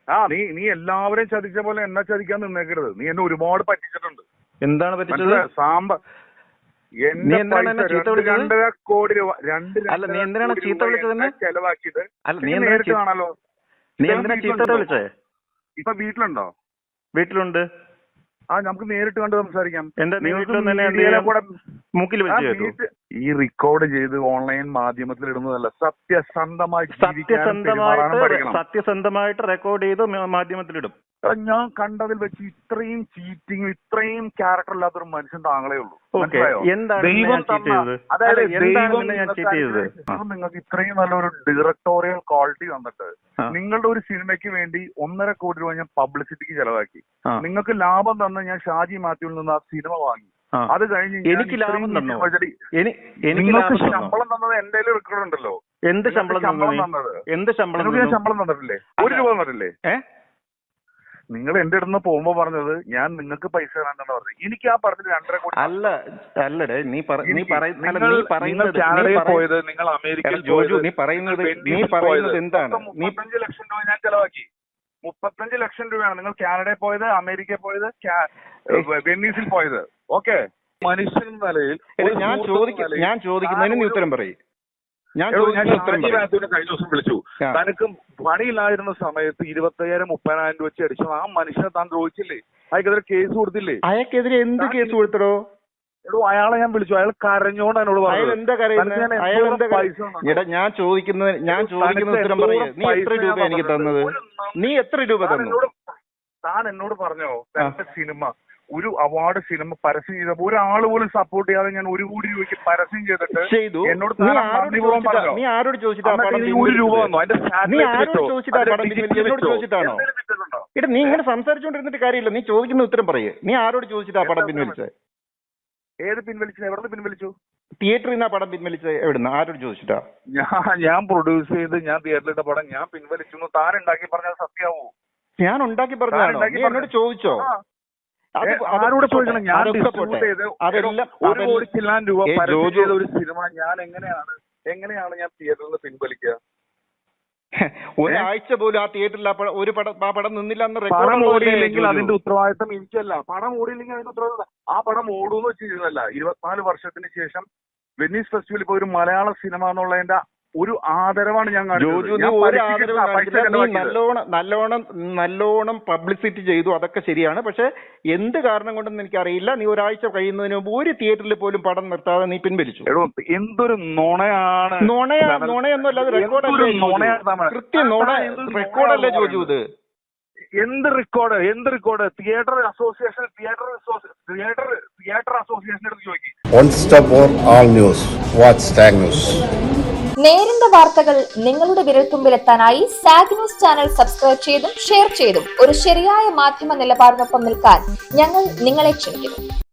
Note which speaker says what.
Speaker 1: നീ എല്ലാവരെയും ചതിച്ച പോലെ എന്നെ ചതിക്കാൻ നിന്നേക്കരുത്. നീ എന്നെ ഒരുപാട് പറ്റിച്ചിട്ടുണ്ട്.
Speaker 2: എന്താണ് പറ്റിച്ചത്?
Speaker 1: സാമ്പാർ രണ്ടര കോടി രൂപ
Speaker 2: നീ എന്തിനാണ് ചീത്ത വിളിച്ചത്?
Speaker 1: ചെലവാക്കിയത്
Speaker 2: നേരിട്ട്
Speaker 1: കാണാലോ.
Speaker 2: നീ എന്തിനാ ചീത്ത വിളിച്ചേ?
Speaker 1: ഇപ്പൊ വീട്ടിലുണ്ടോ?
Speaker 2: വീട്ടിലുണ്ട്.
Speaker 1: നമുക്ക് നേരിട്ട് കണ്ട് സംസാരിക്കാം.
Speaker 2: മൂക്കിൽ
Speaker 1: ഈ റെക്കോർഡ് ചെയ്ത് ഓൺലൈൻ മാധ്യമത്തിൽ ഇടുന്നതല്ല,
Speaker 2: സത്യസന്ധമായിട്ട് റെക്കോർഡ് ചെയ്ത് മാധ്യമത്തിലിടും.
Speaker 1: ഞാൻ കണ്ടതിൽ വെച്ച് ഇത്രയും ചീറ്റിംഗ്, ഇത്രയും ക്യാരക്ടർ ഇല്ലാത്തൊരു മനുഷ്യൻ താങ്കളേ ഉള്ളൂ. അതായത് നിങ്ങൾക്ക് ഇത്രയും നല്ലൊരു ഡയറക്ടോറിയൽ ക്വാളിറ്റി തന്നിട്ട് നിങ്ങളുടെ ഒരു സിനിമയ്ക്ക് വേണ്ടി 1.5 കോടി രൂപ ഞാൻ പബ്ലിസിറ്റിക്ക് ചെലവാക്കി. നിങ്ങൾക്ക് ലാഭം തന്ന ഞാൻ ഷാജി മാത്യുവിൽ നിന്ന് ആ സിനിമ വാങ്ങി. അത് കഴിഞ്ഞ്
Speaker 2: എനിക്ക് ലാഭം തന്നോ?
Speaker 1: നിങ്ങൾക്ക് ശമ്പളം തന്നത് എന്റെ റെക്കോർഡ് ഉണ്ടല്ലോ.
Speaker 2: എന്ത് ശമ്പളം തന്നത്? എന്ത് ശമ്പളം?
Speaker 1: ഞാൻ ശമ്പളം തന്നിട്ടില്ലേ? 1 രൂപ തന്നിട്ടില്ലേ? നിങ്ങൾ എന്റെ അടുത്ത് പോകുമ്പോ പറഞ്ഞത് ഞാൻ നിങ്ങൾക്ക് പൈസ തരാനാണ് പറഞ്ഞത്. എനിക്ക് ആ പറഞ്ഞത് 2.5 കോടി
Speaker 2: അല്ലടേ. നീ
Speaker 1: പോയത്, നിങ്ങൾ അമേരിക്കയിൽ
Speaker 2: നീ പറയുന്നത് എന്താണ്?
Speaker 1: 35 ലക്ഷം രൂപ ഞാൻ ചെലവാക്കി. 35 ലക്ഷം രൂപയാണ് നിങ്ങൾ കാനഡയിൽ പോയത്, അമേരിക്കയിൽ പോയത്, വെനീസിൽ പോയത്. ഓക്കെ, മനുഷ്യൻ നിലയിൽ
Speaker 2: ഞാൻ ചോദിക്കുന്നതിന് നീ ഉത്തരം പറയും. ഞാൻ
Speaker 1: കഴിഞ്ഞ ദിവസം വിളിച്ചു. തനിക്ക് പണിയില്ലായിരുന്ന സമയത്ത് 25,000-30,000 വെച്ച് അടിച്ചു. ആ മനുഷ്യനെ താൻ ദ്രോഹിച്ചില്ലേ? അയാൾക്കെതിരെ കേസ് കൊടുത്തില്ലേ?
Speaker 2: അയാൾക്കെതിരെ എന്ത് കേസ് കൊടുത്തടോ?
Speaker 1: അയാളെ ഞാൻ വിളിച്ചു. അയാൾ കരഞ്ഞോണ്ട് എന്നോട് പറഞ്ഞു.
Speaker 2: ഞാൻ ചോദിക്കുന്ന ഉത്തരം പറയേ. നീ എത്ര രൂപ എനിക്ക് തന്നത്? നീ എത്ര രൂപ തന്നു?
Speaker 1: താൻ എന്നോട് പറഞ്ഞോ സിനിമ, ഒരു അവാർഡ് സിനിമ പരസ്യം ചെയ്തപ്പോ ഒരാൾ പോലും സപ്പോർട്ട് ചെയ്യാതെ ഞാൻ 1 കോടി രൂപയ്ക്ക് പരസ്യം ചെയ്തിട്ട് എന്നോട്
Speaker 2: നീ ആരോട് ചോദിച്ചിട്ടാണോ? നീ ഇങ്ങനെ സംസാരിച്ചോണ്ടിരുന്നിട്ട് കാര്യമില്ല. നീ ചോദിക്കുന്ന ഉത്തരം പറയേ. നീ ആരോട് ചോദിച്ചിട്ടാ പടം പിൻവലിച്ചത്?
Speaker 1: ഏത് പിൻവലിച്ചു? എവിടെ പിൻവലിച്ചു?
Speaker 2: തിയേറ്ററിൽ നിന്നാ പടം പിൻവലിച്ചത്? എവിടുന്ന്? ആരോട് ചോദിച്ചിട്ടാ?
Speaker 1: ഞാൻ പ്രൊഡ്യൂസ് ചെയ്ത് ഞാൻ തിയേറ്ററിലിട്ട പടം ഞാൻ പിൻവലിച്ചു. താൻ ഉണ്ടാക്കി പറഞ്ഞാൽ സത്യാവോ?
Speaker 2: ഞാൻ ഉണ്ടാക്കി പറഞ്ഞാണോ? നീ എന്നോട് ചോദിച്ചോ?
Speaker 1: ആരോട് ചോദിക്കണം? ഞാൻ ഡിസ്ട്രിബ്യൂട്ട് ചെയ്ത് 1 കോടി ചില്ലാൻ രൂപ പരസ്യം ചെയ്ത ഒരു സിനിമ ഞാൻ എങ്ങനെയാണ് ഞാൻ തിയേറ്ററിൽ നിന്ന് പിൻവലിക്കുക?
Speaker 2: ഒരാഴ്ച പോലും ആ തിയേറ്ററിൽ ആ പടം നിന്നില്ല എന്ന്
Speaker 1: പടം ഓടിയില്ലെങ്കിൽ അതിന്റെ ഉത്തരവാദിത്തം എനിക്കല്ല. പടം ഓടിയില്ലെങ്കിൽ അതിന്റെ ഉത്തരവാദിത്തം ആ പടം ഓടൂന്ന് വെച്ചിരുന്നല്ല. 24 വർഷത്തിന് ശേഷം വെനീസ് ഫെസ്റ്റിവലിൽ ഇപ്പൊ ഒരു മലയാള സിനിമ എന്നുള്ളതിന്റെ ഒരു ആദരവാണ് ഞാൻ
Speaker 2: നല്ലോണം പബ്ലിസിറ്റി ചെയ്തു. അതൊക്കെ ശരിയാണ്. പക്ഷെ എന്ത് കാരണം കൊണ്ടെന്ന് എനിക്കറിയില്ല. നീ ഒരാഴ്ച കഴിയുന്നതിന് മുമ്പ് ഒരു തിയേറ്ററിൽ പോലും പടം നിർത്താതെ നീ പിൻവലിച്ചു.
Speaker 1: എന്തൊരു നുണയാണ്.
Speaker 2: നുണയൊന്നുമല്ല, അത് റെക്കോർഡല്ലേ? കൃത്യം നുണ റെക്കോർഡല്ലേ ചോദിച്ചു? ഇത്
Speaker 1: എന്ത് റെക്കോർഡ്? തിയേറ്റർ അസോസിയേഷൻ എടുത്ത് ചോദിക്കും.
Speaker 3: നേരിന്റെ വാർത്തകൾ നിങ്ങളുടെ വിരൽത്തുമ്പിലെത്താനായി സാഗ് ന്യൂസ് ചാനൽ സബ്സ്ക്രൈബ് ചെയ്തും ഷെയർ ചെയ്തും ഒരു ശരിയായ മാധ്യമ നിലപാടിനൊപ്പം നിൽക്കാൻ ഞങ്ങൾ നിങ്ങളെ ക്ഷണിക്കുന്നു.